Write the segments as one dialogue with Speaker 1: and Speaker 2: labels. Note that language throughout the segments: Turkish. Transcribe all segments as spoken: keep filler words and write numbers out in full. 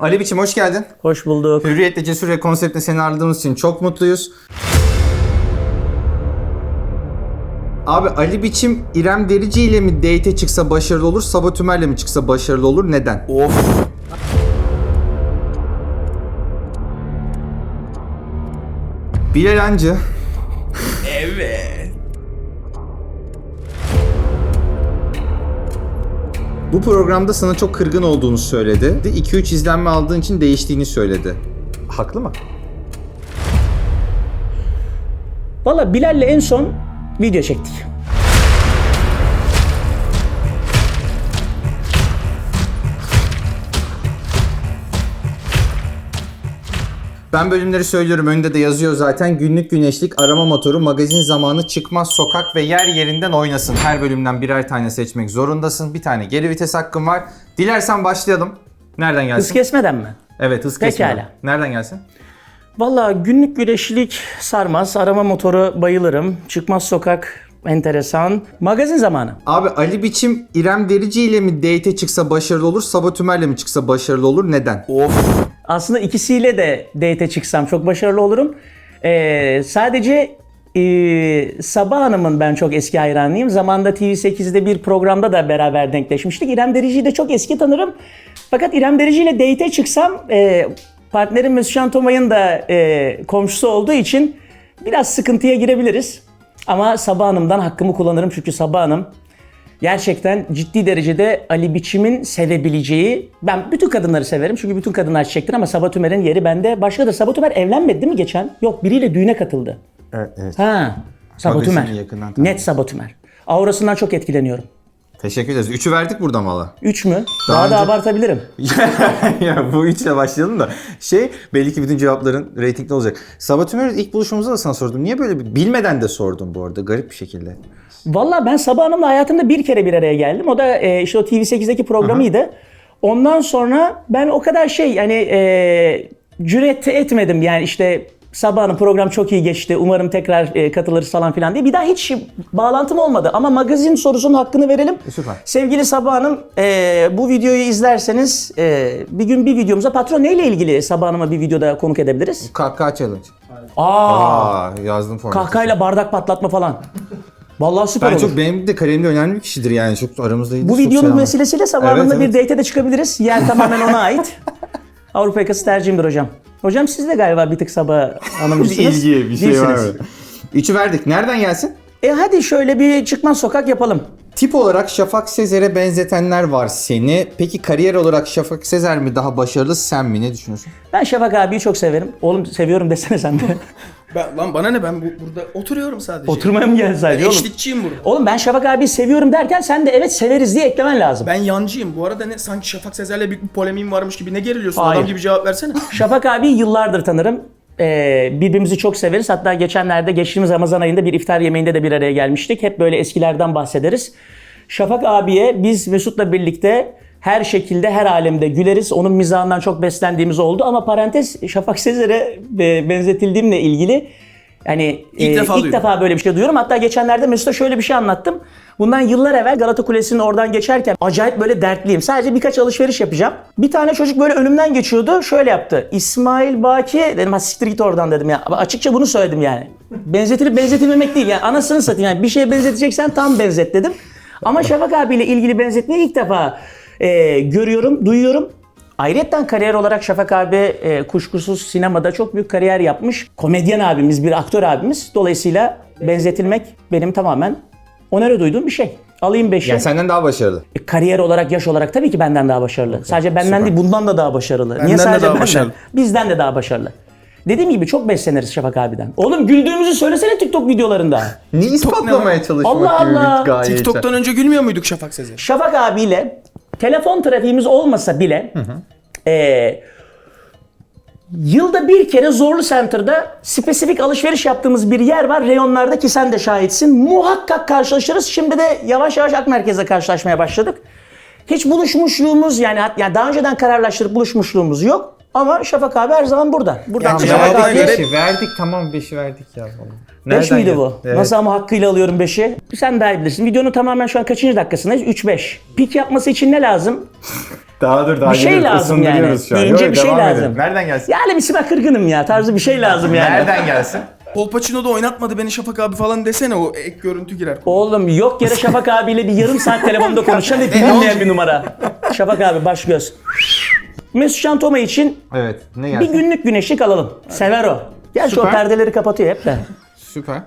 Speaker 1: Ali Biçim hoş geldin.
Speaker 2: Hoş bulduk.
Speaker 1: Hürriyetle Cesur ve konseptle seni ağırladığımız için çok mutluyuz. Abi Ali Biçim İrem Derici ile mi date'e çıksa başarılı olur, Sabah Tümer'le mi çıksa başarılı olur? Neden?
Speaker 2: Of.
Speaker 1: Bilal Hancı.
Speaker 2: Evet.
Speaker 1: Bu programda sana çok kırgın olduğunu söyledi. iki üç izlenme aldığın için değiştiğini söyledi. Haklı mı?
Speaker 2: Valla Bilal'le en son video çektik.
Speaker 1: Ben bölümleri söylüyorum, önünde de yazıyor zaten. Günlük güneşlik, arama motoru, magazin zamanı, çıkmaz sokak ve yer yerinden oynasın. Her bölümden birer tane seçmek zorundasın. Bir tane geri vites hakkın var. Dilersen başlayalım. Nereden gelsin?
Speaker 2: Hız kesmeden mi?
Speaker 1: Evet, hız
Speaker 2: Pekala.
Speaker 1: kesmeden. Nereden gelsin?
Speaker 2: Valla günlük güneşlik sarmaz, arama motoru bayılırım, çıkmaz sokak enteresan, magazin zamanı.
Speaker 1: Abi Ali Biçim İrem Derici ile mi date'e çıksa başarılı olur, Sabah Tümer'le mi çıksa başarılı olur? Neden?
Speaker 2: Of. Aslında ikisiyle de date'e çıksam çok başarılı olurum. Ee, sadece e, Sabah Hanım'ın ben çok eski hayranıyım. Zamanında T V sekizde bir programda da beraber denkleşmiştik. İrem Derici'yi de çok eski tanırım. Fakat İrem Derici ile date'e çıksam e, partnerim Mesut Can Tomay'ın da e, komşusu olduğu için biraz sıkıntıya girebiliriz. Ama Sabah Hanım'dan hakkımı kullanırım çünkü Sabah Hanım gerçekten ciddi derecede Ali Biçim'in sevebileceği, ben bütün kadınları severim çünkü bütün kadınlar çiçektir ama Sabah Tümer'in yeri bende. Başkadır. Sabah Tümer evlenmedi değil mi geçen? Yok, biriyle düğüne katıldı.
Speaker 1: Evet, evet.
Speaker 2: Ha, Sabah
Speaker 1: Magazini
Speaker 2: Tümer.
Speaker 1: yakından tanıdım.
Speaker 2: Net Sabah Tümer. Aurasından çok etkileniyorum.
Speaker 1: Teşekkür ederiz. Üçü verdik buradan valla.
Speaker 2: Üç mü?
Speaker 1: Daha
Speaker 2: Daha,
Speaker 1: önce-
Speaker 2: da abartabilirim.
Speaker 1: Ya bu üçle başlayalım da. Şey, belli ki bütün cevapların reytingli olacak. Sabah Tümer'i ilk buluşmamızda da sana sordum. Niye böyle bir... Bilmeden de sordum bu arada. Garip bir şekilde.
Speaker 2: Valla ben Sabah Hanım'la hayatımda bir kere bir araya geldim. O da e, işte o T V sekizdeki programıydı. Ondan sonra ben o kadar şey yani e, cüret etmedim yani işte Sabah Hanım program çok iyi geçti. Umarım tekrar e, katılırız falan filan diye. Bir daha hiç bağlantım olmadı. Ama magazin sorusunun hakkını verelim.
Speaker 1: E, süper.
Speaker 2: Sevgili Sabah Hanım e, bu videoyu izlerseniz e, bir gün bir videomuza patron neyle ilgili Sabah Hanım'a bir videoda konuk edebiliriz?
Speaker 1: Kahkaha challenge.
Speaker 2: Aa,
Speaker 1: Aa, yazdım formatı.
Speaker 2: kahkahayla bardak patlatma falan. Vallahi süper
Speaker 1: Ben
Speaker 2: olur.
Speaker 1: çok, benim de kalemde önemli bir kişidir yani. Çok aramızda iyidir.
Speaker 2: Bu
Speaker 1: çok
Speaker 2: videonun
Speaker 1: selam.
Speaker 2: vesilesiyle Sabah
Speaker 1: Evet,
Speaker 2: Hanım'la
Speaker 1: evet.
Speaker 2: bir date'e de çıkabiliriz. Yer tamamen ona ait. Avrupa yakası tercihimdir hocam. Hocam siz de galiba bir tık Sabah Hanımcısınız.
Speaker 1: Bir ilgi, bir şey var
Speaker 2: Değilsiniz.
Speaker 1: mı? Üçü verdik. Nereden gelsin?
Speaker 2: E hadi şöyle bir çıkmaz sokak yapalım.
Speaker 1: Tip olarak Şafak Sezer'e benzetenler var seni. Peki kariyer olarak Şafak Sezer mi daha başarılı, sen mi? Ne düşünüyorsun?
Speaker 2: Ben Şafak abiyi çok severim. Oğlum seviyorum desene sen de.
Speaker 3: Ben, lan bana ne, ben bu, burada oturuyorum sadece.
Speaker 2: Oturmaya mı geldin sadece
Speaker 3: Ben
Speaker 2: oğlum?
Speaker 3: eşlikçiyim burada.
Speaker 2: Oğlum ben Şafak abiyi seviyorum derken sen de evet severiz diye eklemen lazım.
Speaker 3: Ben yancıyım. Bu arada ne sanki Şafak Sezer'le büyük bir polemiğim varmış gibi ne geriliyorsun?
Speaker 2: Hayır.
Speaker 3: Adam gibi cevap versene.
Speaker 2: Şafak abiyi yıllardır tanırım. Ee, birbirimizi çok severiz. Hatta geçenlerde geçtiğimiz Ramazan ayında bir iftar yemeğinde de bir araya gelmiştik. Hep böyle eskilerden bahsederiz. Şafak abiye biz Mesut'la birlikte her şekilde her alemde güleriz. Onun mizahından çok beslendiğimiz oldu. Ama parantez Şafak Sezer'e e, benzetildiğimle ilgili yani
Speaker 3: İlk
Speaker 2: e,
Speaker 3: defa
Speaker 2: ilk
Speaker 3: duydum.
Speaker 2: defa böyle bir şey duyuyorum. Hatta geçenlerde Mesut'a şöyle bir şey anlattım. Bundan yıllar evvel Galata Kulesi'nin oradan geçerken acayip böyle dertliyim. Sadece birkaç alışveriş yapacağım. Bir tane çocuk böyle önümden geçiyordu. Şöyle yaptı. İsmail Baki dedim, ha siktir git oradan dedim ya. Açıkça bunu söyledim yani. Benzetilip benzetilmemek değil yani. Anasını satayım yani. Bir şeye benzeteceksen tam benzet dedim. Ama Şafak abiyle ilgili benzetmeyi ilk defa e, görüyorum, duyuyorum. Ayrıca kariyer olarak Şafak abi e, kuşkusuz sinemada çok büyük kariyer yapmış. Komedyen abimiz, bir aktör abimiz. Dolayısıyla benzetilmek benim tamamen onere duyduğum bir şey. Alayım beşi.
Speaker 1: Yani senden daha başarılı.
Speaker 2: E, Kariyer olarak, yaş olarak tabii ki benden daha başarılı. Sadece benden
Speaker 1: süper.
Speaker 2: değil, bundan da daha başarılı.
Speaker 3: Benden
Speaker 2: Niye
Speaker 3: de
Speaker 2: sadece
Speaker 3: daha
Speaker 2: benden?
Speaker 3: başarılı.
Speaker 2: Bizden de daha başarılı. Dediğim gibi çok besleniriz Şafak abiden. Oğlum güldüğümüzü söylesene TikTok videolarında.
Speaker 1: Ne ispatlamaya çalışmak
Speaker 2: Allah
Speaker 1: gibi
Speaker 2: Allah.
Speaker 1: bir gaye.
Speaker 3: TikTok'tan önce gülmüyor muyduk Şafak Sezer?
Speaker 2: Şafak abiyle telefon trafiğimiz olmasa bile eee, yılda bir kere Zorlu Center'da spesifik alışveriş yaptığımız bir yer var. Reyonlarda ki sen de şahitsin. Muhakkak karşılaşırız. Şimdi de yavaş yavaş Ak Merkez'de karşılaşmaya başladık. Hiç buluşmuşluğumuz yani, yani daha önceden kararlaştırıp buluşmuşluğumuz yok. Ama Şafak abi her zaman burada. Buradan
Speaker 3: Yani
Speaker 2: Şafak
Speaker 3: cevabına
Speaker 2: abiye-
Speaker 3: göre-
Speaker 1: Beşi verdik, tamam beşi verdik ya.
Speaker 2: beş
Speaker 1: Nereden
Speaker 2: miydi
Speaker 1: geldi?
Speaker 2: bu?
Speaker 1: Evet.
Speaker 2: Nasıl ama hakkıyla alıyorum beşi? Sen daha iyi bilirsin. Videonun tamamen şu an kaçıncı dakikasındayız? üç beş. Pik yapması için ne lazım?
Speaker 1: Daha dur daha
Speaker 2: Bir şey
Speaker 1: yeni
Speaker 2: lazım yani.
Speaker 1: ısındırıyoruz şu an.
Speaker 2: Deyince
Speaker 1: Yok,
Speaker 2: bir şey
Speaker 1: devam
Speaker 2: lazım.
Speaker 1: edelim. Nereden gelsin?
Speaker 2: Yani bir sime kırgınım ya tarzı bir şey lazım yani.
Speaker 1: Nereden gelsin?
Speaker 3: Kolpaçino da oynatmadı beni Şafak abi falan desene, o ek görüntü girer.
Speaker 2: Oğlum yok yere Şafak abiyle bir yarım saat telefonda konuşan ve bilinmeyen bir numara. Şafak abi baş göz. Mesut Can Toma için
Speaker 1: Evet. Ne
Speaker 2: bir
Speaker 1: gelsin?
Speaker 2: günlük güneşlik alalım. Sever o. Gerçi o
Speaker 1: Süper.
Speaker 2: perdeleri kapatıyor hep de.
Speaker 1: Süper.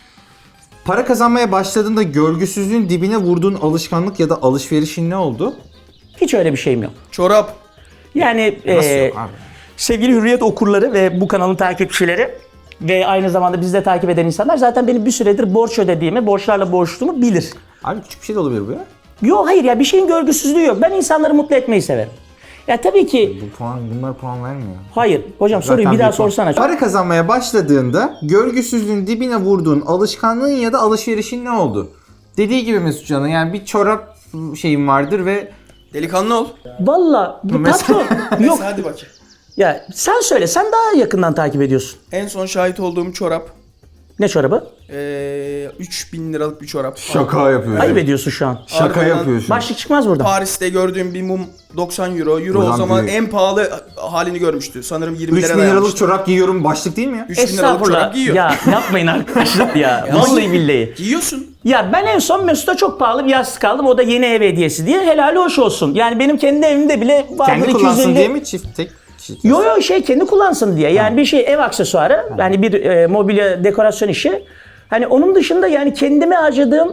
Speaker 1: Para kazanmaya başladığında görgüsüzlüğün dibine vurduğun alışkanlık ya da alışverişin ne oldu?
Speaker 2: Hiç öyle bir şeyim yok.
Speaker 3: Çorap.
Speaker 2: Yani
Speaker 1: Nasıl
Speaker 2: e,
Speaker 1: yok abi?
Speaker 2: sevgili Hürriyet okurları ve bu kanalın takipçileri ve aynı zamanda bizi de takip eden insanlar zaten benim bir süredir borç ödediğimi, borçlarla boğuştuğumu bilir.
Speaker 1: Abi küçük bir şey de olabilir bu ya.
Speaker 2: Yok hayır ya bir şeyin görgüsüzlüğü yok. Ben insanları mutlu etmeyi severim. Ya tabii ki
Speaker 1: Bu puan, bunlar puan vermiyor.
Speaker 2: hayır. Hocam soruyu
Speaker 1: Zaten
Speaker 2: bir daha
Speaker 1: bir puan.
Speaker 2: sorsana.
Speaker 1: Para kazanmaya başladığında görgüsüzlüğün dibine vurduğun alışkanlığın ya da alışverişin ne oldu? Dediği gibi Mesut Can'ın yani bir çorap şeyin vardır ve
Speaker 3: Delikanlı ol.
Speaker 2: Valla bu
Speaker 1: Mesela-
Speaker 2: patron yok.
Speaker 3: Hadi bakayım.
Speaker 2: Ya sen söyle sen daha yakından takip ediyorsun.
Speaker 3: En son şahit olduğum çorap.
Speaker 2: Ne çorabı?
Speaker 3: Ee, üç bin liralık bir çorap.
Speaker 1: şaka yapıyorsun.
Speaker 2: Ayıp ediyorsun şu an.
Speaker 1: Şaka
Speaker 3: Ardından
Speaker 1: yapıyorsun.
Speaker 2: Başlık çıkmaz buradan.
Speaker 3: Paris'te gördüğüm bir mum doksan euro. Euro
Speaker 1: Ulan
Speaker 3: o zaman
Speaker 1: büyük.
Speaker 3: en pahalı halini görmüştü. Sanırım yirmi
Speaker 1: üç
Speaker 3: lira
Speaker 1: bin liralık
Speaker 3: dayanmıştı.
Speaker 1: çorap giyiyorum başlık değil mi ya?
Speaker 3: üç bin liralık
Speaker 2: Estağfurullah.
Speaker 3: çorap giyiyor.
Speaker 2: Ya yapmayın arkadaşlar ya.
Speaker 3: ama
Speaker 2: Vallahi
Speaker 3: giy-
Speaker 2: billahi.
Speaker 3: Giyiyorsun.
Speaker 2: Ya ben en son Mesut'a çok pahalı bir yastık aldım. O da yeni ev hediyesi diye. Helali hoş olsun. Yani benim kendi evimde bile vardır
Speaker 1: Kendi
Speaker 2: iki yüz
Speaker 1: kullansın
Speaker 2: elli.
Speaker 1: diye mi çift tek çift?
Speaker 2: Yo yo şey kendi kullansın diye. Yani bir şey ev aksesuarı. Yani bir e, mobilya dekorasyon işi. Hani onun dışında yani kendime harcadığım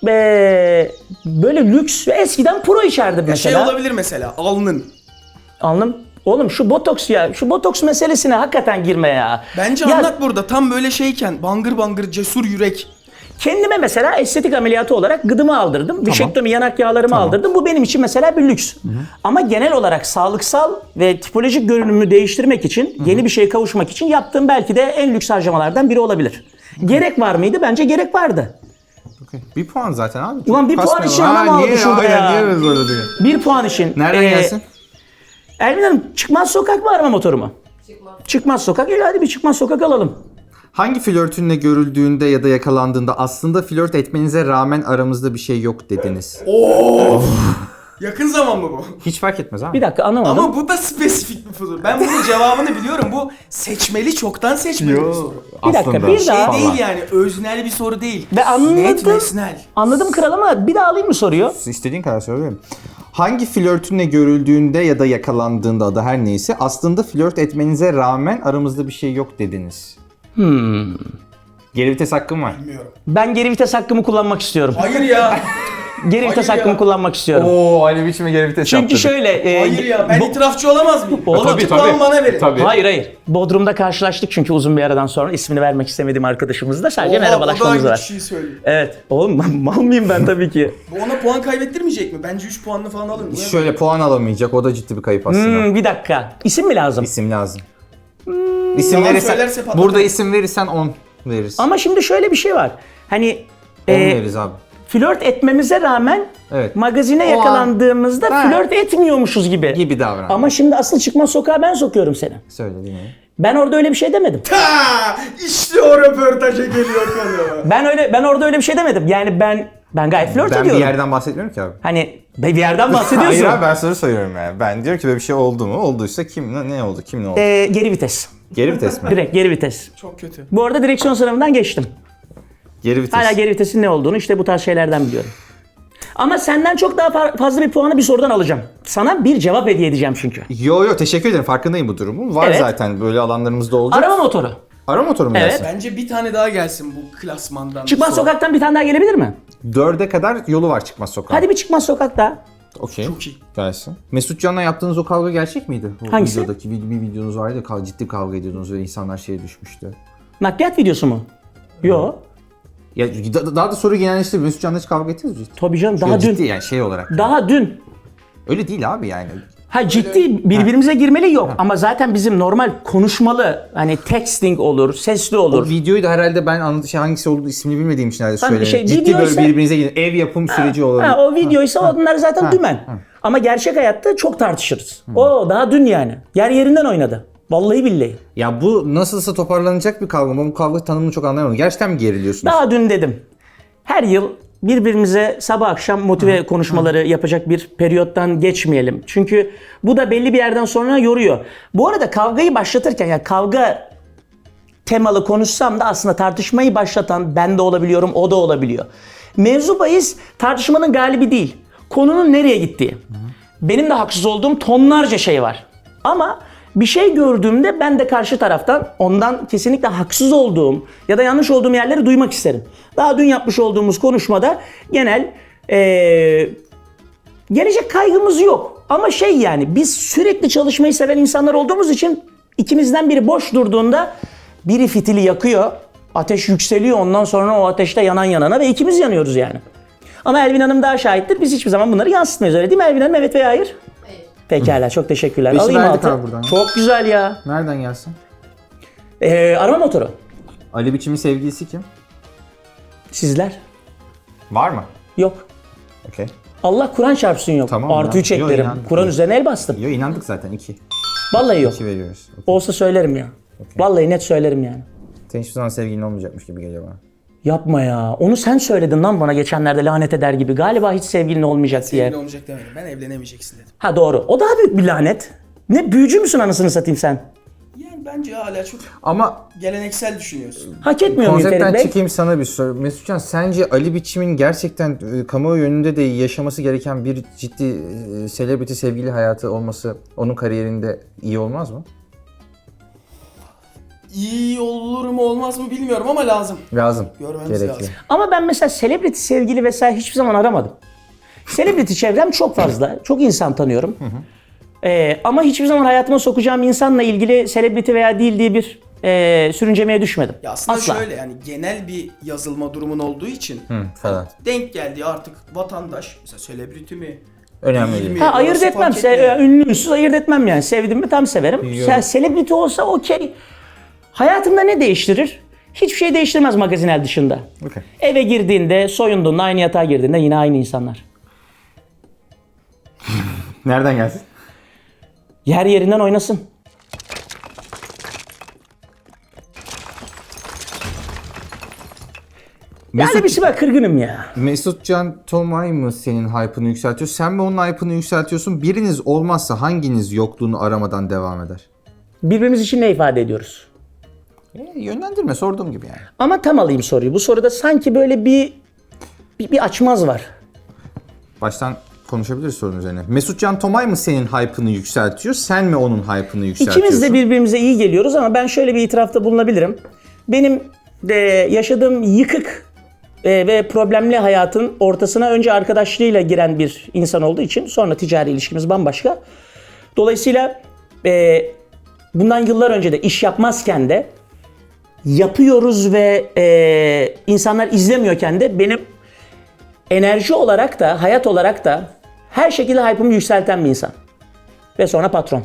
Speaker 2: e, böyle lüks ve eskiden pro içerdim
Speaker 3: Şey
Speaker 2: mesela.
Speaker 3: olabilir mesela, alnın.
Speaker 2: Anladım. Oğlum şu botoks ya. Şu botoks meselesine hakikaten girme ya.
Speaker 3: Bence
Speaker 2: Ya
Speaker 3: anlat burada, tam böyle şeyken, bangır bangır cesur yürek.
Speaker 2: kendime mesela estetik ameliyatı olarak gıdımı aldırdım. Vişektomi yanak yağlarımı aldırdım. Bu benim için mesela bir lüks. Ama genel olarak sağlıksal ve tipolojik görünümü değiştirmek için, yeni bir şeye kavuşmak için yaptığım belki de en lüks harcamalardan biri olabilir. Gerek var mıydı? Bence gerek vardı.
Speaker 1: Okey. Bir puan zaten abi.
Speaker 2: Ulan bir puan
Speaker 1: Kasmayalım.
Speaker 2: için
Speaker 1: Ha,
Speaker 2: anam aldı
Speaker 1: niye
Speaker 2: şurada ya.
Speaker 1: Niye böyle böyle diyor?
Speaker 2: Bir puan için.
Speaker 1: Nereden
Speaker 2: Ee,
Speaker 1: gelsin?
Speaker 2: Elvin Hanım çıkmaz sokak mı arama motoru mu? Çıkmaz. Çıkmaz sokak. İyi hadi bir çıkmaz sokak alalım.
Speaker 1: Hangi flörtünle görüldüğünde ya da yakalandığında aslında flört etmenize rağmen aramızda bir şey yok dediniz?
Speaker 3: Yakın zaman mı bu?
Speaker 1: Hiç fark etmez abi.
Speaker 2: Bir dakika anlamadım.
Speaker 3: Ama bu da spesifik bir soru. Ben bunun cevabını biliyorum. Bu seçmeli, çoktan seçmeli bir soru.
Speaker 2: Bir dakika,
Speaker 1: Aslında
Speaker 2: bir
Speaker 3: Şey
Speaker 2: daha-
Speaker 1: falan.
Speaker 3: değil yani, öznel bir soru değil.
Speaker 2: Ve anladım.
Speaker 3: Net, nesnel.
Speaker 2: Anladım kral ama bir daha alayım mı soruyu?
Speaker 1: İstediğin kadar söyleyeyim. Hangi flörtünle görüldüğünde ya da yakalandığında adı her neyse aslında flört etmenize rağmen aramızda bir şey yok dediniz? Hmm. Geri vites hakkım var.
Speaker 3: Bilmiyorum.
Speaker 2: Ben geri vites hakkımı kullanmak istiyorum.
Speaker 3: Hayır ya.
Speaker 2: Geri vites
Speaker 3: Hayır
Speaker 2: hakkımı
Speaker 3: ya.
Speaker 2: kullanmak istiyorum.
Speaker 1: Oo Ali biçime geri vites
Speaker 2: Çünkü şöyle... e,
Speaker 3: Hayır ya. Ben
Speaker 2: bu-
Speaker 3: itirafçı olamaz mıyım?
Speaker 2: Oğlum,
Speaker 3: O
Speaker 2: tabii,
Speaker 3: puan bana verin.
Speaker 2: Hayır hayır. Bodrum'da karşılaştık çünkü uzun bir aradan sonra. ismini vermek istemediğim arkadaşımızla sadece
Speaker 3: Oha,
Speaker 2: merhabalaşmamız
Speaker 3: o da aynı
Speaker 2: var.
Speaker 3: kişiyi söylüyor.
Speaker 2: Evet. Oğlum mal mıyım ben tabii ki.
Speaker 3: Bu ona puan kaybettirmeyecek mi? Bence üç puanını falan alır mı?
Speaker 1: Şöyle puan alamayacak. O da ciddi bir kayıp aslında.
Speaker 2: Hmm, bir dakika. İsim mi lazım?
Speaker 1: İsim lazım. İsim
Speaker 3: Yalan
Speaker 1: verirsen,
Speaker 3: söylerse patlatır.
Speaker 1: burada isim verirsen on veririz.
Speaker 2: Ama şimdi şöyle bir şey var. Hani
Speaker 1: on
Speaker 2: e,
Speaker 1: veririz abi.
Speaker 2: flört etmemize rağmen
Speaker 1: Evet.
Speaker 2: magazine
Speaker 1: O an-
Speaker 2: yakalandığımızda
Speaker 1: Ha.
Speaker 2: flört etmiyormuşuz gibi.
Speaker 1: Gibi davran.
Speaker 2: Ama şimdi asıl çıkmaz sokağa ben sokuyorum seni.
Speaker 1: Söyle dinleyin.
Speaker 2: Ben orada öyle bir şey demedim.
Speaker 3: Ha, işte o röportaja geliyor konu.
Speaker 2: Ben öyle ben orada öyle bir şey demedim. Yani ben ben gayet flört
Speaker 1: Ben bir
Speaker 2: ediyorum.
Speaker 1: yerden bahsetmiyorum ki abi.
Speaker 2: Hani bir yerden bahsediyorsun.
Speaker 1: Hayır abi ben soru soruyorum yani. Ben diyorum ki böyle bir şey oldu mu? Olduysa kim ne, ne oldu? Kim ne oldu?
Speaker 2: Ee, geri vites.
Speaker 1: Geri vites mi?
Speaker 2: Direkt geri vites.
Speaker 3: Çok kötü.
Speaker 2: Bu arada direksiyon sınavından geçtim.
Speaker 1: Geri vites.
Speaker 2: Hala geri vitesin ne olduğunu işte bu tarz şeylerden biliyorum. Ama senden çok daha fa- fazla bir puanı bir sorudan alacağım. Sana bir cevap hediye edeceğim çünkü.
Speaker 1: Yo yo teşekkür ederim. Farkındayım bu durumun. Var
Speaker 2: Evet.
Speaker 1: zaten böyle alanlarımızda olacak.
Speaker 2: Arama motoru.
Speaker 1: Arama motoru mu
Speaker 2: Evet.
Speaker 1: gelsin?
Speaker 3: Bence bir tane daha gelsin bu klasmandan.
Speaker 2: Çıkmaz
Speaker 3: sonra.
Speaker 2: sokaktan bir tane daha gelebilir mi?
Speaker 1: Dörde kadar yolu var çıkmaz sokağa.
Speaker 2: Hadi bir çıkmaz sokak daha.
Speaker 1: Okey.
Speaker 3: Çok iyi.
Speaker 1: Gelsin. Mesut Can'la yaptığınız o kavga gerçek miydi? O
Speaker 2: Hangisi?
Speaker 1: Videodaki bir, bir videonuz vardı ya kav- ciddi kavga ediyordunuz ve insanlar şeye düşmüştü.
Speaker 2: Nakliyat videosu mu? Yo.
Speaker 1: Ya da- daha da soru genelleşti. Mesut Can'la hiç kavga ettiniz mi ciddi?
Speaker 2: Tabii canım daha
Speaker 1: Ya
Speaker 2: dün.
Speaker 1: ciddi yani şey olarak.
Speaker 2: Daha dün.
Speaker 1: Öyle değil abi yani.
Speaker 2: Ha ciddi birbirimize girmeli yok ama zaten bizim normal konuşmalı hani texting olur, sesli
Speaker 1: O
Speaker 2: olur.
Speaker 1: videoyu da herhalde ben anlat şey hangisi olduğu ismini bilmediğim için herhalde
Speaker 2: Tamam,
Speaker 1: söyleyeyim.
Speaker 2: şey,
Speaker 1: ciddi
Speaker 2: video
Speaker 1: böyle
Speaker 2: ise-
Speaker 1: birbirinize gidin. Ev yapım süreci olabilir.
Speaker 2: Ha, o videoysa onlar zaten dümen. Ama gerçek hayatta çok tartışırız. O daha dün yani. Yer yerinden oynadı. Vallahi billahi.
Speaker 1: Ya bu nasılsa toparlanacak bir kavga. Ben bu kavga tanımını çok anlayamadım. Gerçekten mi geriliyorsunuz?
Speaker 2: Daha dün dedim. Her yıl birbirimize sabah akşam motive konuşmaları yapacak bir periyottan geçmeyelim. Çünkü bu da belli bir yerden sonra yoruyor. Bu arada kavgayı başlatırken, yani kavga temalı konuşsam da aslında tartışmayı başlatan ben de olabiliyorum, o da olabiliyor. Mevzu bahis tartışmanın galibi değil. Konunun nereye gittiği. Benim de haksız olduğum tonlarca şey var. Ama bir şey gördüğümde ben de karşı taraftan ondan kesinlikle haksız olduğum ya da yanlış olduğum yerleri duymak isterim. Daha dün yapmış olduğumuz konuşmada genel ee, gelecek kaygımız yok. Ama şey, yani biz sürekli çalışmayı seven insanlar olduğumuz için ikimizden biri boş durduğunda biri fitili yakıyor, ateş yükseliyor, ondan sonra o ateşte yanan yanana ve ikimiz yanıyoruz yani. Ama Elvin Hanım daha şahittir. Biz hiçbir zaman bunları yansıtmıyoruz, öyle değil mi Elvin Hanım? Evet veya hayır?
Speaker 4: Hayır.
Speaker 2: Pekala, çok teşekkürler.
Speaker 1: Beşi
Speaker 2: Alayım
Speaker 1: verdik
Speaker 2: altı.
Speaker 1: abi buradan.
Speaker 2: Çok güzel ya.
Speaker 1: Nereden gelsin?
Speaker 2: Ee, arama motoru.
Speaker 1: Ali Biçim'in sevgilisi kim?
Speaker 2: Sizler?
Speaker 1: Var mı?
Speaker 2: Yok.
Speaker 1: Okey.
Speaker 2: Allah Kur'an çarpsın yok.
Speaker 1: Tamam
Speaker 2: Artı
Speaker 1: ya.
Speaker 2: üç
Speaker 1: Yok,
Speaker 2: eklerim.
Speaker 1: inandık.
Speaker 2: Kur'an üzerine el bastım.
Speaker 1: Yo, inandık zaten iki.
Speaker 2: Vallahi yok.
Speaker 1: İki veriyoruz. Okay.
Speaker 2: Olsa söylerim ya. Vallahi net söylerim yani.
Speaker 1: Senin hiçbir zaman sevgilin olmayacakmış gibi geliyor bana.
Speaker 2: Yapma ya. Onu sen söyledin lan bana geçenlerde lanet eder gibi. Galiba hiç sevgilin olmayacak diye.
Speaker 3: Sevgili olmayacak demedim. Ben evlenemeyeceksin dedim.
Speaker 2: Ha doğru. O daha büyük bir lanet. Ne büyücü müsün anasını satayım sen?
Speaker 3: Yani bence hala çok
Speaker 1: Ama
Speaker 3: geleneksel düşünüyorsun.
Speaker 2: Hak etmiyor muyum
Speaker 1: konseptten
Speaker 2: Ferit Bey?
Speaker 1: çıkayım, sana bir soru. Mesutcan, sence Ali Biçim'in gerçekten e, kamuoyu önünde de yaşaması gereken bir ciddi e, celebrity sevgili hayatı olması onun kariyerinde iyi olmaz mı?
Speaker 3: İyi olur mu olmaz mı bilmiyorum ama lazım.
Speaker 1: Lazım.
Speaker 3: Görmemiz
Speaker 1: Gerekli.
Speaker 3: lazım.
Speaker 2: Ama ben mesela celebrity sevgili vesaire hiçbir zaman aramadım. Celebrity çevrem çok fazla. Çok insan tanıyorum. Ee, ama hiçbir zaman hayatıma sokacağım insanla ilgili celebrity veya değil diye bir e, sürüncemeye düşmedim.
Speaker 3: Ya aslında
Speaker 2: Asla.
Speaker 3: şöyle, yani genel bir yazılma durumun olduğu için
Speaker 1: Hı, falan.
Speaker 3: denk geldiği artık vatandaş mesela celebrity mi?
Speaker 1: Önemli
Speaker 3: değil
Speaker 1: değil.
Speaker 3: mi?
Speaker 2: Ha, ayırt
Speaker 3: Orası
Speaker 2: etmem.
Speaker 3: fark
Speaker 2: Se-
Speaker 3: etmiyor.
Speaker 2: ünlü ünsüz ayırt etmem yani. Sevdim mi tam severim.
Speaker 1: Biliyorum.
Speaker 2: Ya, celebrity olsa okey. Hayatımda ne değiştirir? Hiçbir şey değiştirmez magazinel dışında.
Speaker 1: Okey.
Speaker 2: Eve girdiğinde, soyunduğunda, aynı yatağa girdiğinde yine aynı insanlar.
Speaker 1: Nereden gelsin?
Speaker 2: Yer yerinden oynasın. Yani
Speaker 1: Mesut,
Speaker 2: bir şey var, kırgınım ya.
Speaker 1: Mesutcan Tomay mı senin hype'ını yükseltiyor? Sen mi onun hype'ını yükseltiyorsun? Biriniz olmazsa hanginiz yokluğunu aramadan devam eder?
Speaker 2: Birbirimiz için ne ifade ediyoruz?
Speaker 1: E, yönlendirme, sorduğum gibi yani.
Speaker 2: Ama tam alayım soruyu. Bu soruda sanki böyle bir bir, bir açmaz var.
Speaker 1: Baştan konuşabiliriz sorun üzerine. Mesutcan Tomay mı senin hype'ını yükseltiyor? Sen mi onun hype'ını yükseltiyorsun?
Speaker 2: İkimiz de birbirimize iyi geliyoruz ama ben şöyle bir itirafta bulunabilirim. Benim de yaşadığım yıkık e, ve problemli hayatın ortasına önce arkadaşlığıyla giren bir insan olduğu için sonra ticari ilişkimiz bambaşka. Dolayısıyla e, bundan yıllar önce de iş yapmazken de yapıyoruz ve e, insanlar izlemiyorken de benim enerji olarak da hayat olarak da her şekilde hype'ımı yükselten bir insan. Ve sonra patron.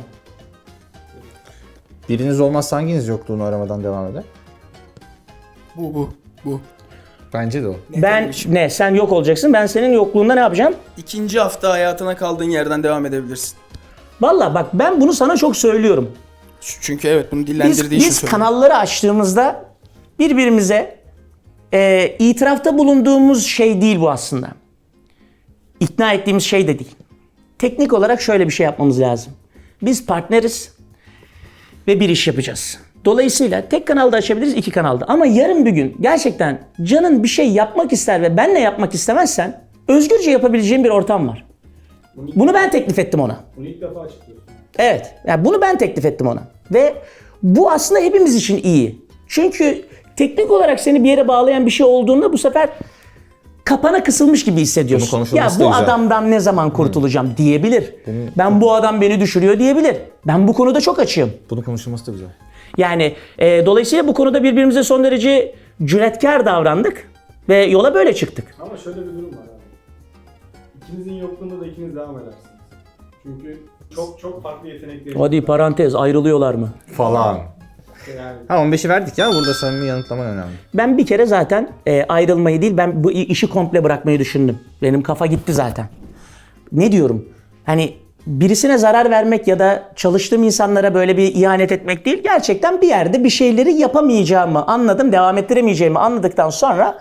Speaker 1: Biriniz olmazsa hanginiz yokluğunu aramadan devam eder?
Speaker 3: Bu bu bu.
Speaker 1: Bence de o.
Speaker 2: Ben
Speaker 3: kardeşim.
Speaker 2: ne sen yok olacaksın, ben senin yokluğunda ne yapacağım?
Speaker 3: İkinci hafta hayatına kaldığın yerden devam edebilirsin.
Speaker 2: Vallahi bak, ben bunu sana çok söylüyorum.
Speaker 3: Çünkü evet, bunu
Speaker 2: Biz,
Speaker 3: dillendirdiği için
Speaker 2: biz
Speaker 3: söylüyorum.
Speaker 2: kanalları açtığımızda birbirimize e, itirafta bulunduğumuz şey değil bu aslında. İkna ettiğimiz şey de değil. Teknik olarak şöyle bir şey yapmamız lazım. Biz partneriz ve bir iş yapacağız. Dolayısıyla tek kanalda açabiliriz, iki kanalda. Ama yarın bir gün gerçekten canın bir şey yapmak ister ve benle yapmak istemezsen özgürce yapabileceğin bir ortam var. Bunu ben teklif ettim ona.
Speaker 5: Bunu ilk defa açıklıyorsun.
Speaker 2: Evet. Yani bunu ben teklif ettim ona. Ve bu aslında hepimiz için iyi. Çünkü teknik olarak seni bir yere bağlayan bir şey olduğunda bu sefer kapana kısılmış gibi
Speaker 1: Bunun
Speaker 2: hissediyorsun.
Speaker 1: konuşulması
Speaker 2: Ya
Speaker 1: da
Speaker 2: bu
Speaker 1: güzel.
Speaker 2: adamdan ne zaman kurtulacağım diyebilir. Ben bu adam beni düşürüyor diyebilir. Ben bu konuda çok açığım.
Speaker 1: Bunun konuşulması da güzel.
Speaker 2: Yani e, dolayısıyla bu konuda birbirimize son derece cüretkar davrandık ve yola böyle çıktık.
Speaker 5: Ama şöyle bir durum var abi. İkinizin yokluğunda da ikiniz devam edersiniz. Çünkü çok çok farklı yetenekleriniz var.
Speaker 2: Hadi parantez, ayrılıyorlar mı?
Speaker 1: Falan.
Speaker 5: Yani
Speaker 1: Ha, on beşi verdik ya, burada samimi yanıtlaman önemli.
Speaker 2: Ben bir kere zaten e, ayrılmayı değil, ben bu işi komple bırakmayı düşündüm. Benim kafa gitti zaten. Ne diyorum? Hani birisine zarar vermek ya da çalıştığım insanlara böyle bir ihanet etmek değil. Gerçekten bir yerde bir şeyleri yapamayacağımı anladım, devam ettiremeyeceğimi anladıktan sonra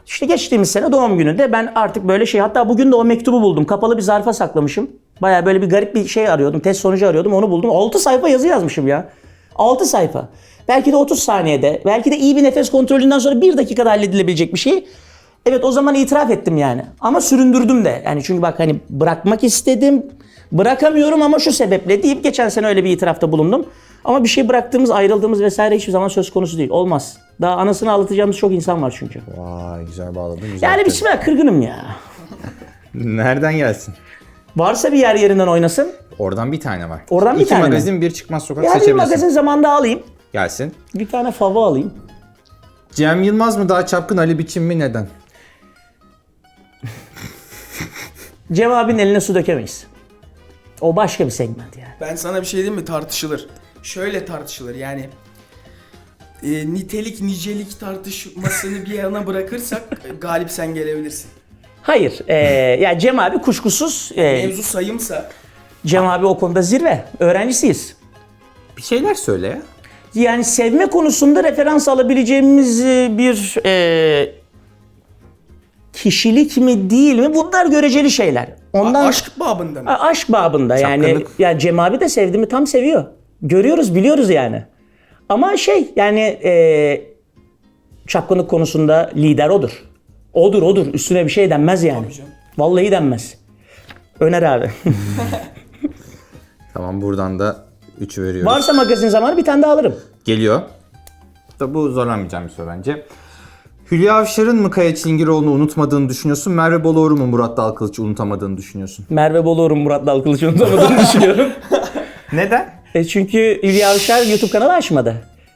Speaker 2: İşte geçtiğimiz sene doğum gününde ben artık böyle şey, hatta bugün de o mektubu buldum. Kapalı bir zarfa saklamışım. Baya böyle bir garip bir şey arıyordum. Test sonucu arıyordum, onu buldum. altı sayfa yazı yazmışım ya. altı sayfa. Belki de otuz saniyede, belki de iyi bir nefes kontrolünden sonra bir dakikada halledilebilecek bir şey. Evet, o zaman itiraf ettim yani. Ama süründürdüm de. Yani çünkü bak hani bırakmak istedim. Bırakamıyorum ama şu sebeple deyip geçen sene öyle bir itirafta bulundum. Ama bir şey bıraktığımız, ayrıldığımız vesaire hiçbir zaman söz konusu değil. Olmaz. Daha anasını ağlatacağımız çok insan var çünkü.
Speaker 1: Vay güzel bağladın. Güzel
Speaker 2: Yani
Speaker 1: tabii.
Speaker 2: bismillah, kırgınım ya.
Speaker 1: Nereden gelsin?
Speaker 2: Varsa bir yer yerinden oynasın.
Speaker 1: Oradan bir tane var.
Speaker 2: Oradan bir
Speaker 1: İki
Speaker 2: tane mi?
Speaker 1: magazin, bir çıkmaz sokak
Speaker 2: Ya bir
Speaker 1: seçebilirsin.
Speaker 2: magazin zamanında alayım.
Speaker 1: Gelsin.
Speaker 2: Bir tane fava alayım.
Speaker 1: Cem Yılmaz mı daha çapkın, Ali Biçim mi, neden?
Speaker 2: Cem abinin eline su dökemeyiz. O başka bir segment yani.
Speaker 3: Ben sana bir şey diyeyim mi? Tartışılır. Şöyle tartışılır yani. E, nitelik nicelik tartışmasını bir yana bırakırsak e, galip sen gelebilirsin.
Speaker 2: Hayır. E, ya Cem abi kuşkusuz. E,
Speaker 3: Mevzu sayımsa
Speaker 2: Cem abi o konuda zirve. Öğrencisiyiz.
Speaker 1: Bir şeyler söyle ya.
Speaker 2: Yani sevme konusunda referans alabileceğimiz e, bir e, kişilik mi değil mi? Bunlar göreceli şeyler. Ondan
Speaker 3: a- aşk babında mı?
Speaker 2: A- aşk babında yani.
Speaker 1: Çapkınlık.
Speaker 2: Ya Cem abi de sevdi mi tam seviyor. Görüyoruz, biliyoruz yani. Ama şey yani e, çapkınlık konusunda lider odur. Odur odur. Üstüne bir şey denmez yani.
Speaker 3: Tabii canım.
Speaker 2: Vallahi denmez. Öner abi.
Speaker 1: Tamam, buradan da üçü veriyoruz.
Speaker 2: Varsa magazin zamanı bir tane daha alırım.
Speaker 1: Geliyor. Da bu zorlanmayacağım bir soru bence. Hülya Avşar'ın mı Kaya Çilingirioğlu'nu unutmadığını düşünüyorsun? Merve Boluğur'u mu Murat Dalkılıç'ı unutamadığını düşünüyorsun?
Speaker 2: Merve Boluğur'un Murat Dalkılıç'ı unutamadığını düşünüyorum.
Speaker 1: Neden?
Speaker 2: E çünkü Hülya Avşar YouTube kanalı açmadı.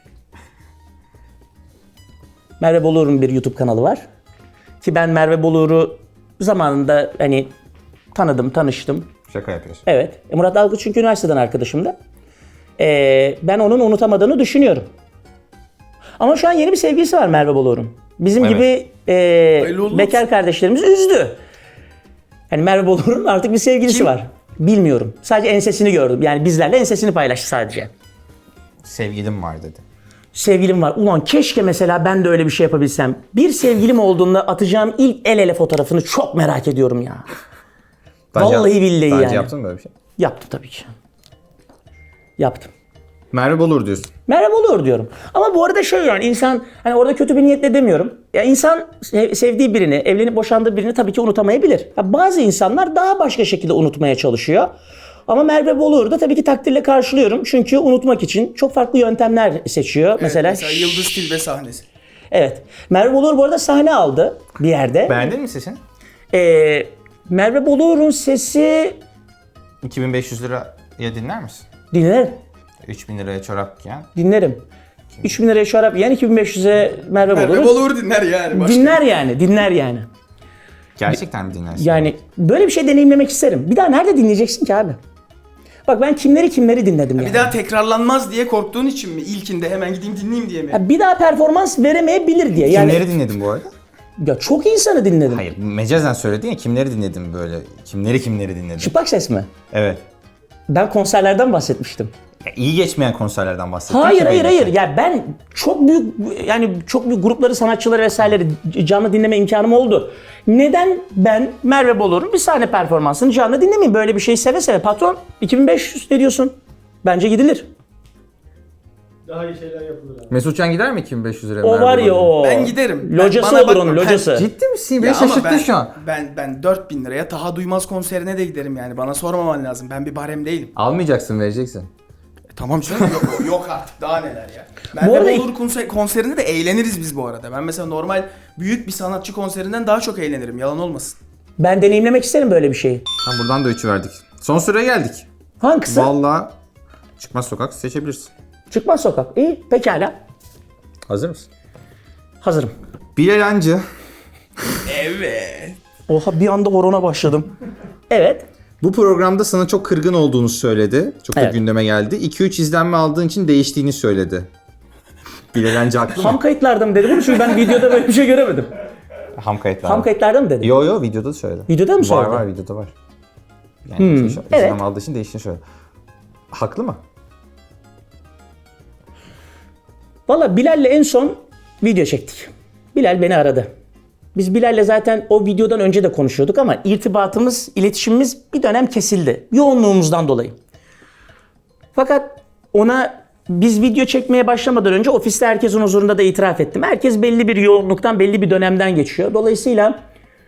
Speaker 2: Merve Boluğur'un bir YouTube kanalı var. Ki ben Merve Boluğur'u zamanında hani tanıdım, tanıştım.
Speaker 1: Şaka yapıyorsun.
Speaker 2: Evet. E, Murat Dalkılıç çünkü üniversiteden arkadaşımdı. E, ben onun unutamadığını düşünüyorum. Ama şu an yeni bir sevgilisi var Merve Boluğur'un. Bizim
Speaker 1: Evet.
Speaker 2: gibi
Speaker 3: Hayırlı
Speaker 2: e,
Speaker 3: uğurlu
Speaker 2: bekar kardeşlerimiz üzdü. Yani Merve Boluğur'un artık bir sevgilisi
Speaker 3: Kim?
Speaker 2: var. Bilmiyorum. Sadece ensesini gördüm. Yani bizlerle ensesini paylaştı sadece.
Speaker 1: Sevgilim var dedi.
Speaker 2: Sevgilim var. Ulan keşke mesela ben de öyle bir şey yapabilsem. Bir sevgilim olduğunda atacağım ilk el ele fotoğrafını çok merak ediyorum ya.
Speaker 1: Daha önce-
Speaker 2: Vallahi billahi
Speaker 1: daha önce
Speaker 2: yani.
Speaker 1: yaptın mı böyle bir şey?
Speaker 2: Yaptım tabii ki. Yaptım.
Speaker 1: Merve Boluğur diyorsun.
Speaker 2: Merhaba olur diyorum. Ama bu arada şey yani insan hani orada kötü bir niyetle demiyorum. Ya insan sev- sevdiği birini, evlenip boşandığı birini tabii ki unutamayabilir. Ya bazı insanlar daha başka şekilde unutmaya çalışıyor. Ama Merve Boluğur'u da tabii ki takdirle karşılıyorum. Çünkü unutmak için çok farklı yöntemler seçiyor.
Speaker 3: Evet,
Speaker 2: mesela
Speaker 3: mesela Yıldız Tilbe sahnesi.
Speaker 2: Evet. Merve Boluğur bu arada sahne aldı bir yerde.
Speaker 1: Beğendin mi sesini?
Speaker 2: Ee, Merve Boluğur'un sesi
Speaker 1: iki bin beş yüz liraya dinler misin?
Speaker 2: dinlerim.
Speaker 1: üç bin liraya çorap giyen.
Speaker 2: Dinlerim. üç bin liraya şarap yiyen iki bin beş yüze Merve
Speaker 3: Merve
Speaker 2: Boluğur.
Speaker 3: Boluğur dinler yani. Başka.
Speaker 2: Dinler yani, dinler yani.
Speaker 1: Gerçekten mi dinlersin?
Speaker 2: Yani böyle bir şey deneyimlemek isterim. Bir daha nerede dinleyeceksin ki abi? Bak ben kimleri kimleri dinledim yani.
Speaker 3: Bir daha tekrarlanmaz diye korktuğun için mi? İlkinde hemen gideyim dinleyeyim diye mi?
Speaker 2: Ya bir daha performans veremeyebilir diye. Yani
Speaker 1: Kimleri dinledin bu arada?
Speaker 2: ya çok insanı dinledim.
Speaker 1: Hayır, mecazen söyledin ya, kimleri dinledin böyle? Kimleri kimleri dinledin?
Speaker 2: Çıplak ses mi?
Speaker 1: Evet.
Speaker 2: Ben konserlerden bahsetmiştim.
Speaker 1: Ya, iyi geçmeyen konserlerden bahsettin.
Speaker 2: Hayır
Speaker 1: ki
Speaker 2: hayır
Speaker 1: belli
Speaker 2: hayır.
Speaker 1: ki.
Speaker 2: Ya ben çok büyük yani çok büyük grupları, sanatçıları vesaireleri canlı dinleme imkanım oldu. Neden ben Merve Boluğur'un bir sahne performansını canlı dinlemeyeyim? Böyle bir şey seve seve. Patron iki bin beş yüz ne diyorsun? Bence gidilir.
Speaker 5: Daha iyi şeyler yapılır abi.
Speaker 1: Mesut Can gider mi iki bin beş yüz liraya?
Speaker 2: O
Speaker 1: Merve
Speaker 2: var ya
Speaker 1: Boluğur'a?
Speaker 2: o.
Speaker 3: Ben giderim. Ben-
Speaker 2: Locası
Speaker 3: bana
Speaker 2: olur
Speaker 3: bakma,
Speaker 2: onun
Speaker 3: ben-
Speaker 2: locası.
Speaker 1: Ciddi misin? Beni
Speaker 3: Ya ama
Speaker 1: şaşırttın
Speaker 3: ben,
Speaker 1: şu an.
Speaker 3: Ben ben dört bin liraya Taha Duymaz konserine de giderim yani. Bana sormaman lazım. Ben bir barem değilim.
Speaker 1: Almayacaksın, vereceksin.
Speaker 3: E, tamam canım yok, yok artık daha neler ya. Merve
Speaker 2: arada-
Speaker 3: Boluğur konser, konserinde de eğleniriz biz bu arada. Ben mesela normal büyük bir sanatçı konserinden daha çok eğlenirim. Yalan olmasın.
Speaker 2: Ben deneyimlemek isterim böyle bir şeyi.
Speaker 1: Tamam, buradan da üçü verdik. Son sıraya geldik.
Speaker 2: Hangisi?
Speaker 1: Vallahi çıkmaz sokak seçebilirsin.
Speaker 2: Çıkmaz sokak. İyi pekala.
Speaker 1: Hazır mısın?
Speaker 2: Hazırım.
Speaker 1: Bilal Hancı
Speaker 3: Evet.
Speaker 2: Oha bir anda horona başladım. Evet.
Speaker 1: bu programda sana çok kırgın olduğunu söyledi. Çok da
Speaker 2: Evet.
Speaker 1: gündeme geldi. iki üç izlenme aldığın için değiştiğini söyledi. Bilal Hancı haklı
Speaker 2: Ham
Speaker 1: mı?
Speaker 2: kayıtlarda mı dedi bunu? Çünkü ben videoda böyle bir şey göremedim.
Speaker 1: Ham kayıtlar.
Speaker 2: Ham kayıtlarda mı dedi?
Speaker 1: Yo yo, videoda da söyledi.
Speaker 2: Videoda mı
Speaker 1: Var
Speaker 2: söyledi?
Speaker 1: var, videoda var. Yani hmm, izlenme
Speaker 2: evet.
Speaker 1: aldığı için değiştiğini söyledi. Haklı mı?
Speaker 2: Valla Bilal'le en son video çektik. Bilal beni aradı. Biz Bilal'le zaten o videodan önce de konuşuyorduk ama irtibatımız, iletişimimiz bir dönem kesildi. Yoğunluğumuzdan dolayı. Fakat ona biz video çekmeye başlamadan önce ofiste herkesin huzurunda da itiraf ettim. Herkes belli bir yoğunluktan, belli bir dönemden geçiyor. Dolayısıyla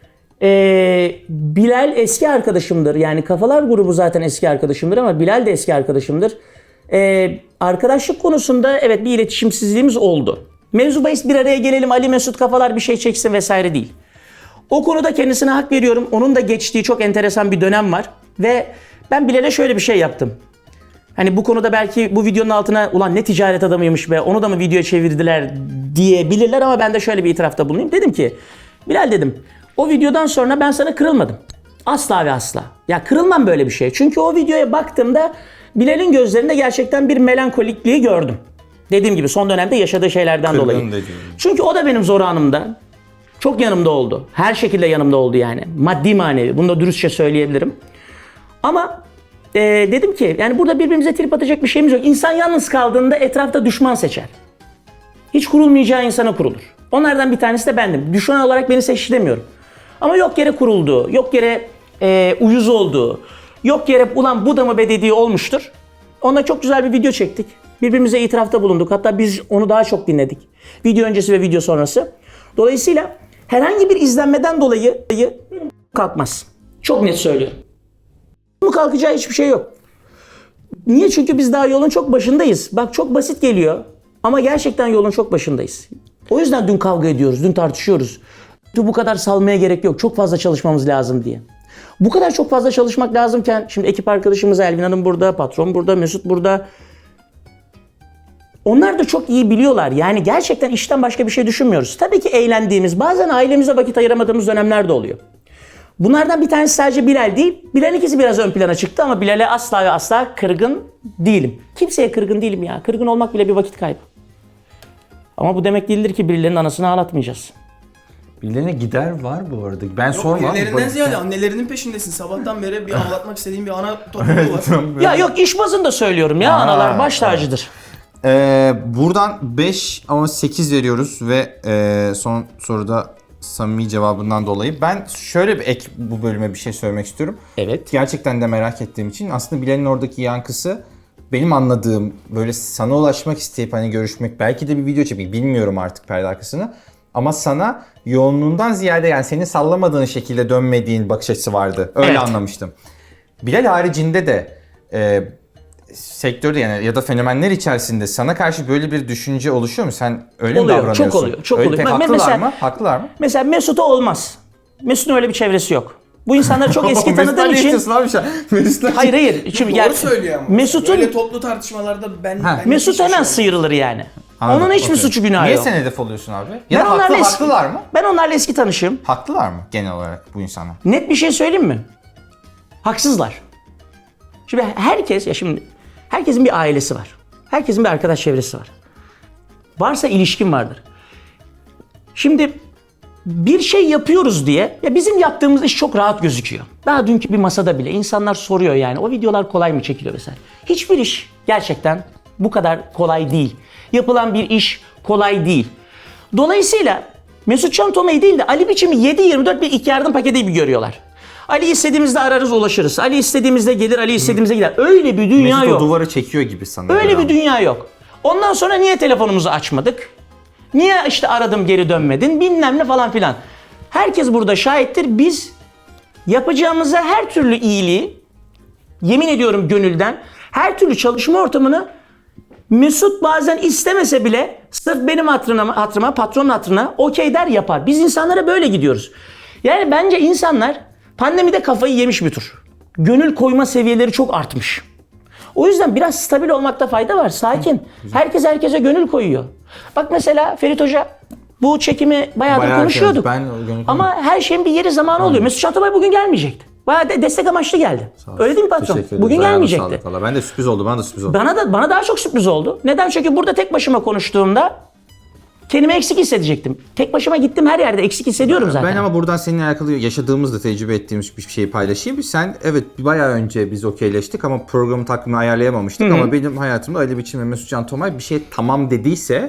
Speaker 2: ee, Bilal eski arkadaşımdır. Yani Kafalar grubu zaten eski arkadaşımdır ama Bilal de eski arkadaşımdır. Ee, arkadaşlık konusunda evet bir iletişimsizliğimiz oldu. Mevzu bahis bir araya gelelim, Ali Mesut Kafalar bir şey çeksin vesaire değil. O konuda kendisine hak veriyorum. Onun da geçtiği çok enteresan bir dönem var. Ve ben Bilal'e şöyle bir şey yaptım. Hani bu konuda belki bu videonun altına ulan ne ticaret adamıymış be onu da mı videoya çevirdiler diyebilirler ama ben de şöyle bir itirafta bulunayım. Dedim ki Bilal dedim o videodan sonra ben sana kırılmadım. Asla ve asla. Ya kırılmam böyle bir şey. Çünkü o videoya baktığımda Bilal'in gözlerinde gerçekten bir melankolikliği gördüm. Dediğim gibi son dönemde yaşadığı şeylerden
Speaker 1: Kırgın
Speaker 2: dolayı.
Speaker 1: dediğim.
Speaker 2: Çünkü o da benim zor anımda çok yanımda oldu. Her şekilde yanımda oldu yani. Maddi manevi. Bunu da dürüstçe söyleyebilirim. Ama e, dedim ki yani burada birbirimize trip atacak bir şeyimiz yok. İnsan yalnız kaldığında etrafta düşman seçer. Hiç kurulmayacağı insana kurulur. Onlardan bir tanesi de bendim. Düşman olarak beni seçti demiyorum. Ama yok yere kurulduğu, yok yere e, uyuz olduğu, yok yere ulan bu da mı be dediği olmuştur. Onunla çok güzel bir video çektik. Birbirimize itirafta bulunduk. Hatta biz onu daha çok dinledik. Video öncesi ve video sonrası. Dolayısıyla herhangi bir izlenmeden dolayı benim kalkmaz. Çok net söylüyorum. Bu kalkacağı hiçbir şey yok. Niye? Çünkü biz daha yolun çok başındayız. Bak çok basit geliyor ama gerçekten yolun çok başındayız. O yüzden dün kavga ediyoruz, dün tartışıyoruz. Bu kadar salmaya gerek yok. Çok fazla çalışmamız lazım diye. Bu kadar çok fazla çalışmak lazımken şimdi ekip arkadaşımız Elvin Hanım burada, patron burada, Mesut burada. Onlar da çok iyi biliyorlar. Yani gerçekten işten başka bir şey düşünmüyoruz. Tabii ki eğlendiğimiz, bazen ailemize vakit ayıramadığımız dönemler de oluyor. Bunlardan bir tanesi sadece Bilal değil. Bilal'in ikisi biraz ön plana çıktı ama Bilal'e asla ve asla kırgın değilim. Kimseye kırgın değilim ya. Kırgın olmak bile bir vakit kaybı. Ama bu demek değildir ki birilerinin anasını ağlatmayacağız.
Speaker 1: Birilerine gider var bu arada. Ben sormam.
Speaker 3: Birilerinden ziyade annelerinin peşindesin. Sabahtan beri bir ağlatmak istediğin bir ana topluluğu var.
Speaker 2: Ya yok iş bazında söylüyorum ya.
Speaker 1: Aa,
Speaker 2: Analar baş tacıdır.
Speaker 1: Ee, buradan beş ama sekiz veriyoruz ve e, son soruda samimi cevabından dolayı. Ben şöyle bir ek bu bölüme bir şey söylemek istiyorum.
Speaker 2: Evet.
Speaker 1: Gerçekten de merak ettiğim için aslında Bilal'in oradaki yankısı benim anladığım böyle sana ulaşmak isteyip hani görüşmek belki de bir video çekmek bilmiyorum artık perde arkasını. Ama sana yoğunluğundan ziyade yani seni sallamadığın şekilde dönmediğin bakış açısı vardı. Öyle
Speaker 2: Evet.
Speaker 1: anlamıştım. Bilal haricinde de e, sektörde yani ya da fenomenler içerisinde sana karşı böyle bir düşünce oluşuyor mu? Sen öyle
Speaker 2: Oluyor,
Speaker 1: mi davranıyorsun?
Speaker 2: çok oluyor, çok
Speaker 1: öyle,
Speaker 2: oluyor.
Speaker 1: Pek
Speaker 2: Ben-
Speaker 1: haklılar
Speaker 2: mesela-
Speaker 1: mı? Haklılar mı?
Speaker 2: Mesela Mesut'a olmaz. Mesut'un öyle bir çevresi yok. Bu insanları çok eski tanıdığım için...
Speaker 1: Abi şu an? Mesut'la-
Speaker 2: Hayır hayır. Şimdi
Speaker 3: Doğru
Speaker 2: gel-
Speaker 3: söylüyor ama.
Speaker 2: Mesut'un
Speaker 3: Böyle toplu tartışmalarda ben...
Speaker 1: Ha.
Speaker 3: ben
Speaker 2: Mesut
Speaker 3: hiçbir
Speaker 2: hemen
Speaker 3: şey
Speaker 2: sıyrılır yani.
Speaker 1: Anladım,
Speaker 2: Onun hiçbir
Speaker 1: okey.
Speaker 2: suçu günahı
Speaker 1: Niye
Speaker 2: yok.
Speaker 1: sen hedef oluyorsun abi? Ya
Speaker 2: Ben
Speaker 1: da haklı,
Speaker 2: onlarla eski-
Speaker 1: haklılar mı?
Speaker 2: Ben onlarla eski tanışığım.
Speaker 1: Haklılar mı genel olarak bu insanlar?
Speaker 2: Net bir şey söyleyeyim mi? Haksızlar. Şimdi herkes ya şimdi herkesin bir ailesi var. Herkesin bir arkadaş çevresi var. Varsa ilişkin vardır. Şimdi bir şey yapıyoruz diye ya bizim yaptığımız iş çok rahat gözüküyor. Daha dünkü bir masada bile insanlar soruyor yani o videolar kolay mı çekiliyor vesaire. Hiçbir iş gerçekten bu kadar kolay değil. Yapılan bir iş kolay değil. Dolayısıyla Mesut Can Toma'yı değil de Ali Biçim'i yedi yirmi dört bir ilk yardım paketi gibi görüyorlar. Ali istediğimizde ararız ulaşırız. Ali istediğimizde gelir, Ali istediğimizde gider. Öyle bir dünya
Speaker 1: Mesut
Speaker 2: yok.
Speaker 1: o duvarı çekiyor gibi sanırım.
Speaker 2: Öyle bir dünya yok. Ondan sonra niye telefonumuzu açmadık? Niye işte aradım geri dönmedin? Bilmem ne falan filan. Herkes burada şahittir. Biz yapacağımıza her türlü iyiliği, yemin ediyorum gönülden, her türlü çalışma ortamını Mesut bazen istemese bile sırf benim hatırıma, hatırıma patronun hatırına okey der yapar. Biz insanlara böyle gidiyoruz. Yani bence insanlar pandemide kafayı yemiş bir tür. Gönül koyma seviyeleri çok artmış. O yüzden biraz stabil olmakta fayda var. Sakin. Herkes herkese gönül koyuyor. Bak mesela Ferit Hoca bu çekimi bayağıdır
Speaker 1: Bayağı
Speaker 2: konuşuyorduk.
Speaker 1: ben o gönül
Speaker 2: Ama her şeyin bir yeri zamanı oluyor. Mesut Çantabay bugün gelmeyecekti. Bayağı de destek amaçlı geldi. Öyle değil mi patron?
Speaker 1: Teşekkür ederim.
Speaker 2: Bugün
Speaker 1: Ayağına
Speaker 2: gelmeyecekti.
Speaker 1: sağlık valla. Ben de sürpriz oldu. Bana da sürpriz oldu.
Speaker 2: Bana da bana daha çok sürpriz oldu. Neden? Çünkü burada tek başıma konuştuğumda kendimi eksik hissedecektim. Tek başıma gittim her yerde eksik hissediyorum zaten.
Speaker 1: Ben ama buradan seninle alakalı yaşadığımızda tecrübe ettiğimiz bir şeyi paylaşayım. Sen evet bayağı önce biz okeyleştik ama programın takvimini ayarlayamamıştık. Ama benim hayatımda Ali Biçim ve Mesut Can Tomay bir şey tamam dediyse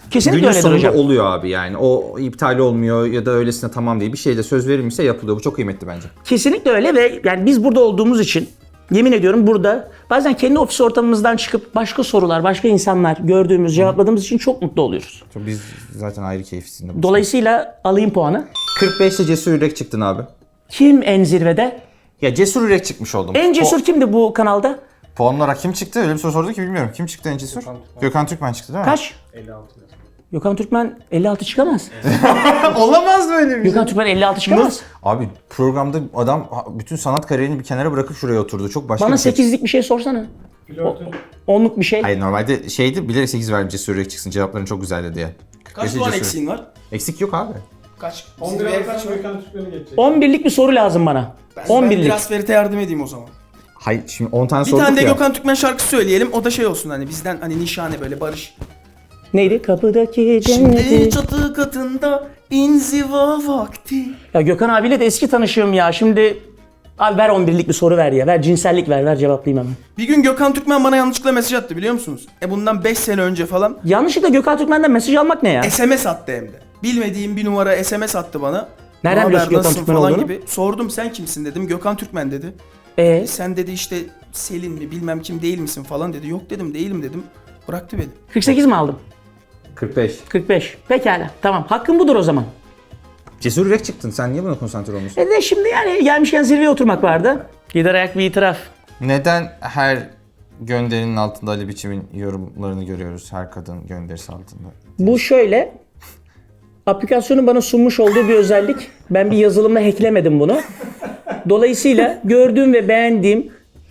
Speaker 2: Kesinlikle
Speaker 1: günün
Speaker 2: öyledir
Speaker 1: sonunda
Speaker 2: hocam.
Speaker 1: oluyor abi yani. O iptal olmuyor ya da öylesine tamam değil. Bir şeyde söz verilmişse yapılıyor. Bu çok kıymetli bence.
Speaker 2: Kesinlikle öyle ve yani biz burada olduğumuz için yemin ediyorum burada bazen kendi ofis ortamımızdan çıkıp başka sorular, başka insanlar gördüğümüz, cevapladığımız için çok mutlu oluyoruz.
Speaker 1: Biz zaten ayrı keyifsinde.
Speaker 2: Dolayısıyla alayım puanı.
Speaker 1: kırk beşte Cesur Yürek çıktın abi.
Speaker 2: Kim en zirvede?
Speaker 1: Ya Cesur Yürek çıkmış oldum.
Speaker 2: En cesur
Speaker 1: Po-
Speaker 2: kimdi bu kanalda?
Speaker 1: puan olarak kim çıktı? Öyle bir soru sordu ki bilmiyorum. Kim çıktı en cesur?
Speaker 5: Gökhan Türkmen.
Speaker 1: Gökhan Türkmen çıktı değil mi?
Speaker 2: Kaç?
Speaker 5: elli altı yazıyor.
Speaker 2: Gökhan Türkmen elli altı çıkamaz.
Speaker 1: Olamaz böyle bir şey.
Speaker 2: Gökhan Türkmen elli altı çıkamaz.
Speaker 1: Abi programda adam bütün sanat kariyerini bir kenara bırakıp şuraya oturdu. Çok başka
Speaker 2: Bana
Speaker 1: bir şey.
Speaker 2: sekizlik bir şey sorsana.
Speaker 5: Flörtün
Speaker 2: Onluk bir şey.
Speaker 1: Hayır normalde şeydi bilerek sekiz verdim Cesur Yürek çıksın cevapların çok güzeldi diye.
Speaker 3: Kaç
Speaker 1: Cesur-
Speaker 3: puan
Speaker 1: Cesur-
Speaker 3: eksiğin var?
Speaker 1: Eksik yok abi.
Speaker 3: Kaç?
Speaker 5: on bir
Speaker 3: Zirveye kaç
Speaker 5: alırsan
Speaker 3: var?
Speaker 5: Gökhan Türkmen'i geçecek.
Speaker 2: on birlik bir soru lazım bana.
Speaker 3: Ben,
Speaker 2: on
Speaker 3: ben
Speaker 2: birlik.
Speaker 3: biraz Ferit'e yardım edeyim o zaman.
Speaker 1: Hayır şimdi on tane
Speaker 3: Bir
Speaker 1: sorduk
Speaker 3: tane de
Speaker 1: ya.
Speaker 3: Gökhan Türkmen şarkısı söyleyelim. O da şey olsun hani bizden hani nişane böyle barış.
Speaker 2: Neydi? Kapıdaki
Speaker 3: Şimdi
Speaker 2: cenneti.
Speaker 3: çatı katında inziva vakti.
Speaker 2: Ya Gökhan abiyle de eski tanışığım ya. Şimdi abi ver on birlik bir soru ver ya. Ver cinsellik ver. Ver cevaplayayım hemen.
Speaker 3: Bir gün Gökhan Türkmen bana yanlışlıkla mesaj attı biliyor musunuz? E bundan beş sene önce falan.
Speaker 2: Yanlışlıkla Gökhan Türkmen'den mesaj almak ne ya?
Speaker 3: S M S attı hem de. Bilmediğim bir numara S M S attı bana.
Speaker 2: Nereden
Speaker 3: "Ne
Speaker 2: biliyorsun
Speaker 3: haber,
Speaker 2: Gökhan
Speaker 3: nasılsın?"
Speaker 2: Türkmen
Speaker 3: falan
Speaker 2: olduğunu?
Speaker 3: gibi. Sordum sen kimsin dedim. Gökhan Türkmen dedi.
Speaker 2: Ee,
Speaker 3: Sen dedi işte Selin mi bilmem kim değil misin falan dedi. Yok dedim değilim dedim. Bıraktı beni.
Speaker 2: kırk sekiz mi aldım?
Speaker 1: kırk beş.
Speaker 2: kırk beş. Pekala. Tamam. Hakkım budur o zaman.
Speaker 1: Cesur Yürek çıktın. Sen niye buna konsantre olmuyorsun?
Speaker 2: E de şimdi yani gelmişken zirveye oturmak vardı. Gider ayak bir itiraf.
Speaker 1: Neden her gönderinin altında Ali Biçim'in yorumlarını görüyoruz? Her kadın gönderisi altında.
Speaker 2: Bu şöyle. Aplikasyonun bana sunmuş olduğu bir özellik. Ben bir yazılımla hacklemedim bunu. Dolayısıyla gördüğüm ve beğendiğim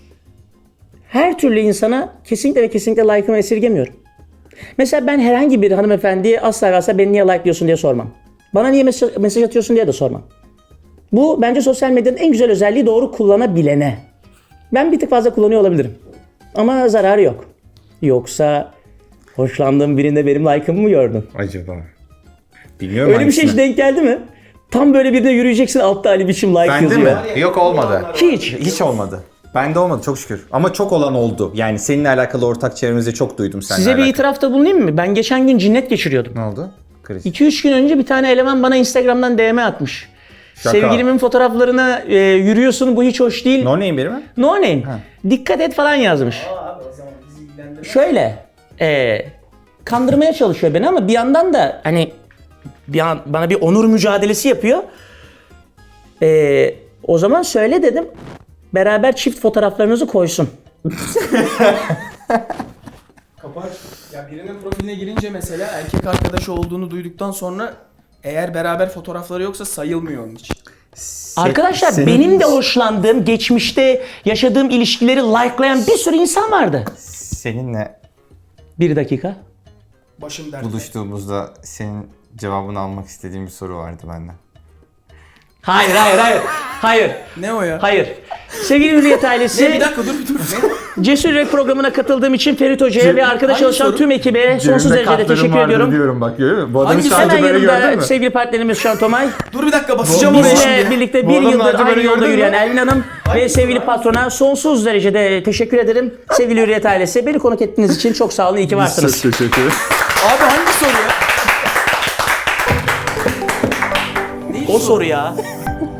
Speaker 2: her türlü insana kesinlikle ve kesinlikle like'ımı esirgemiyorum. Mesela ben herhangi bir hanımefendiye asla ve asla beni niye like'lıyorsun diye sormam. Bana niye mesaj, mesaj atıyorsun diye de sormam. Bu bence sosyal medyanın en güzel özelliği doğru kullanabilene. Ben bir tık fazla kullanıyor olabilirim. Ama zararı yok. Yoksa hoşlandığın birinde benim like'ımı mı gördün?
Speaker 1: Acaba? Bilmiyorum
Speaker 2: Öyle bir şey hiç denk geldi mi? Tam böyle birine yürüyeceksin altta Ali Biçim like
Speaker 1: Bende
Speaker 2: yazıyor.
Speaker 1: mi? Yok olmadı.
Speaker 2: Hiç.
Speaker 1: Hiç olmadı. Bende olmadı çok şükür. Ama çok olan oldu. Yani seninle alakalı ortak çevremizde çok duydum seninle
Speaker 2: Size bir
Speaker 1: alakalı.
Speaker 2: itirafta bulunayım mı? Ben geçen gün cinnet geçiriyordum.
Speaker 1: Ne oldu? Kriz.
Speaker 2: iki üç gün önce bir tane eleman bana Instagram'dan D M atmış.
Speaker 1: Şaka.
Speaker 2: Sevgilimin fotoğraflarına e, yürüyorsun bu hiç hoş değil.
Speaker 1: No name biri mi?
Speaker 2: No name. Dikkat et falan yazmış.
Speaker 3: Abi o zaman bizi ilgilendirmez.
Speaker 2: Şöyle e, kandırmaya çalışıyor beni ama bir yandan da hani bir an, bana bir onur mücadelesi yapıyor. E, o zaman söyle dedim. Beraber çift fotoğraflarınızı koysun.
Speaker 3: Kapı aç. Ya birinin profiline girince mesela erkek arkadaşı olduğunu duyduktan sonra eğer beraber fotoğrafları yoksa sayılmıyor onun için.
Speaker 2: Arkadaşlar
Speaker 1: senin-
Speaker 2: benim de hoşlandığım, geçmişte yaşadığım ilişkileri likelayan bir sürü insan vardı.
Speaker 1: Seninle
Speaker 2: Bir dakika.
Speaker 3: Başım dertte.
Speaker 1: buluştuğumuzda senin cevabını almak istediğim bir soru vardı benden.
Speaker 2: Hayır, hayır, hayır. Hayır,
Speaker 3: Ne o ya?
Speaker 2: hayır. Sevgili Hürriyet ailesi,
Speaker 3: Ne bir dakika dur bir dur. Ne?
Speaker 2: Cesur Yürek programına katıldığım için Ferit Hoca'ya ve arkada
Speaker 3: hangi
Speaker 2: çalışan
Speaker 3: soru?
Speaker 2: tüm ekibe sonsuz derecede teşekkür ediyorum.
Speaker 1: Diyorum bak görüyor musun? Bu
Speaker 3: Hangisi?
Speaker 1: hiç daha önce
Speaker 2: Hemen
Speaker 1: böyle gördün
Speaker 2: yanımda
Speaker 1: mü?
Speaker 2: sevgili partnerimiz Şan Tomay,
Speaker 3: Dur bir dakika basacağım oraya
Speaker 2: bizle
Speaker 3: şimdi.
Speaker 2: birlikte
Speaker 1: Bu
Speaker 2: bir
Speaker 1: adamı
Speaker 2: yıldır
Speaker 1: daha önce
Speaker 2: aynı
Speaker 1: böyle
Speaker 2: yolda
Speaker 1: gördün mü?
Speaker 2: yürüyen Elvin Hanım ve sevgili patrona sonsuz derecede teşekkür ederim. Sevgili Hürriyet ailesi, beni konuk ettiğiniz için çok sağ olun, iyi ki varsınız.
Speaker 1: Çok teşekkür ederim.
Speaker 3: Abi hangi soru ya?
Speaker 2: O soru ya.